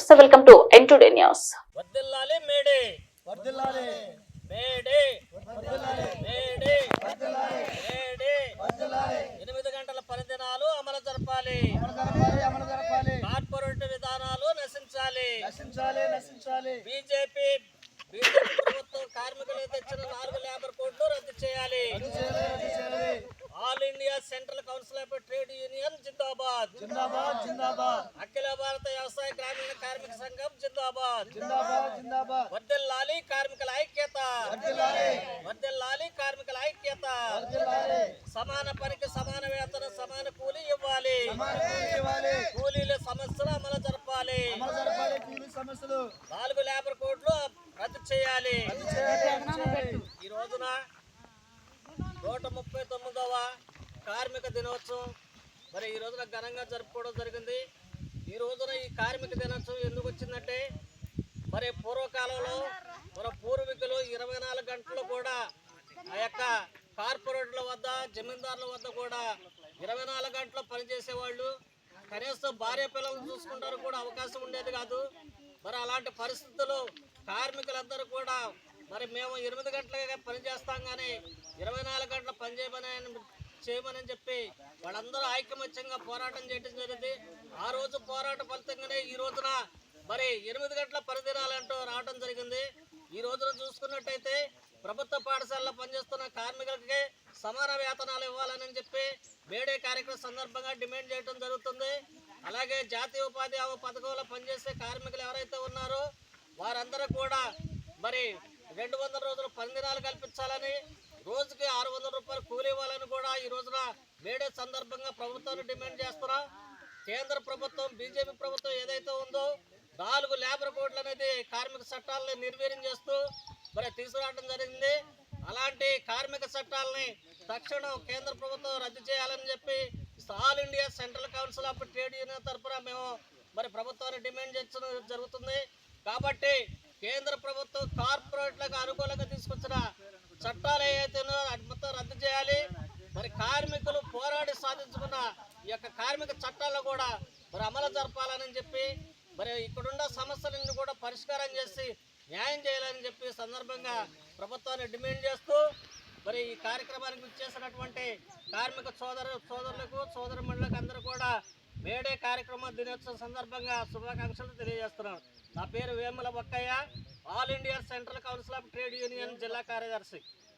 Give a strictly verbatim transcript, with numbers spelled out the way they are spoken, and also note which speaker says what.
Speaker 1: నమస్తే, welcome to N today news.
Speaker 2: వర్ధిల్లాలి May Day వర్ధిల్లాలి మేడే వర్ధిల్లాలి మేడే వర్ధిల్లాలి మేడే వర్ధిల్లాలి ఎనిమిది గంటల పనిదినాలు అమలు జరపాలి అమలు జరపాలి కార్పొరేట్ విధానాలు నశించాలి నశించాలి నశించాలి బీజేపీ బీజేపీ ప్రభుత్వం కార్మికులు తెచ్చిన నాలుగు లేబర్ కోడ్లు రద్దు చేయాలి. All India central council of trade union జిందాబాద్ జిందాబాద్ జిందాబాద్ అఖిల భారత వ్యవసాయ గ్రామీణ కార్మిక సంఘం జిందాబాద్ జిందాబాద్ జిందాబాద్ వర్ధిల్లాలి కార్మికుల ఐక్యత వర్ధిల్లాలి వర్ధిల్లాలి కార్మికుల ఐక్యత వర్ధిల్లాలి సమాన పనికి సమాన వేతన సమాన కూలీ ఇవ్వాలి కూలీల సమస్యలు అమలు జరపాలి అమలు జరపాలి కూలీ సమస్యలు నాలుగు లేబర్ కోడ్లు రద్దు చేయాలి. ఈ రోజున నూట ముప్పై తొమ్మిదవ కార్మిక దినోత్సవం మరి ఈ రోజున ఘనంగా జరుపుకోవడం జరిగింది. ఈ రోజున ఈ కార్మిక దినోత్సవం ఎందుకు వచ్చిందంటే మరి పూర్వకాలంలో మన పూర్వీకులు ఇరవై నాలుగు గంటలు కూడా ఆ యొక్క కార్పొరేట్ల వద్ద జమీందారుల వద్ద కూడా ఇరవై నాలుగు గంటలు పనిచేసేవాళ్ళు. కనీసం భార్య పిల్లలను చూసుకుంటారు కూడా అవకాశం ఉండేది కాదు. మరి అలాంటి పరిస్థితుల్లో కార్మికులందరూ కూడా మరి మేము ఎనిమిది గంటలుగా పనిచేస్తాం కానీ ఇరవై నాలుగు గంటలు పనిచేయమని చేయమని చెప్పి వాళ్ళందరూ ఐకమత్యంగా పోరాటం చేయడం జరిగింది. ఆ రోజు పోరాట ఫలితంగానే ఈ రోజున మరి ఎనిమిది గంటల పనిదినాలంటూ రావడం జరిగింది. ఈ రోజున చూసుకున్నట్టయితే ప్రభుత్వ పాఠశాలలో పనిచేస్తున్న కార్మికులకి సమాన వేతనాలు ఇవ్వాలని చెప్పి మేడే కార్యక్రమం సందర్భంగా డిమాండ్ చేయడం జరుగుతుంది. అలాగే జాతీయ ఉపాధి హామీ పథకంలో పనిచేసే కార్మికులు ఎవరైతే ఉన్నారో వారందరూ కూడా మరి రెండు వందల రోజులు పనిదినాలు కల్పించాలని, రోజుకి ఆరు వందల రూపాయలు కూలీ ఇవ్వాలని కూడా ఈ రోజున మేడే సందర్భంగా ప్రభుత్వాన్ని డిమాండ్ చేస్తున్నాం. కేంద్ర ప్రభుత్వం బీజేపీ ప్రభుత్వం ఏదైతే ఉందో నాలుగు లేబర్ కోడ్లు అనేది కార్మిక చట్టాలని నిర్వీర్యం చేస్తూ మరి తీసుకురావడం జరిగింది. అలాంటి కార్మిక చట్టాలని తక్షణం కేంద్ర ప్రభుత్వం రద్దు చేయాలని చెప్పి all India central council of trade union తరఫున మేము మరి ప్రభుత్వాన్ని డిమాండ్ చేయడం జరుగుతుంది. కాబట్టి కేంద్ర ప్రభుత్వం కార్పొరేట్లకు అనుకూలంగా తీసుకొచ్చిన చట్టాలు ఏవైతేనో అది మొత్తం రద్దు చేయాలి. మరి కార్మికులు పోరాడి సాధించుకున్న ఈ యొక్క కార్మిక చట్టాలను కూడా మరి అమలు జరపాలని చెప్పి మరి ఇక్కడున్న సమస్యలను కూడా పరిష్కారం చేసి న్యాయం చేయాలని చెప్పి సందర్భంగా ప్రభుత్వాన్ని డిమాండ్ చేస్తూ మరి ఈ కార్యక్రమానికి ఇచ్చేసినటువంటి కార్మిక సోదరు సోదరులకు సోదరుమణులకు అందరూ కూడా మేడే కార్యక్రమ దినోత్సవం సందర్భంగా శుభాకాంక్షలు తెలియజేస్తున్నాను. నా పేరు Vemula Bakkaiah, all India central council of trade union జిల్లా కార్యదర్శి.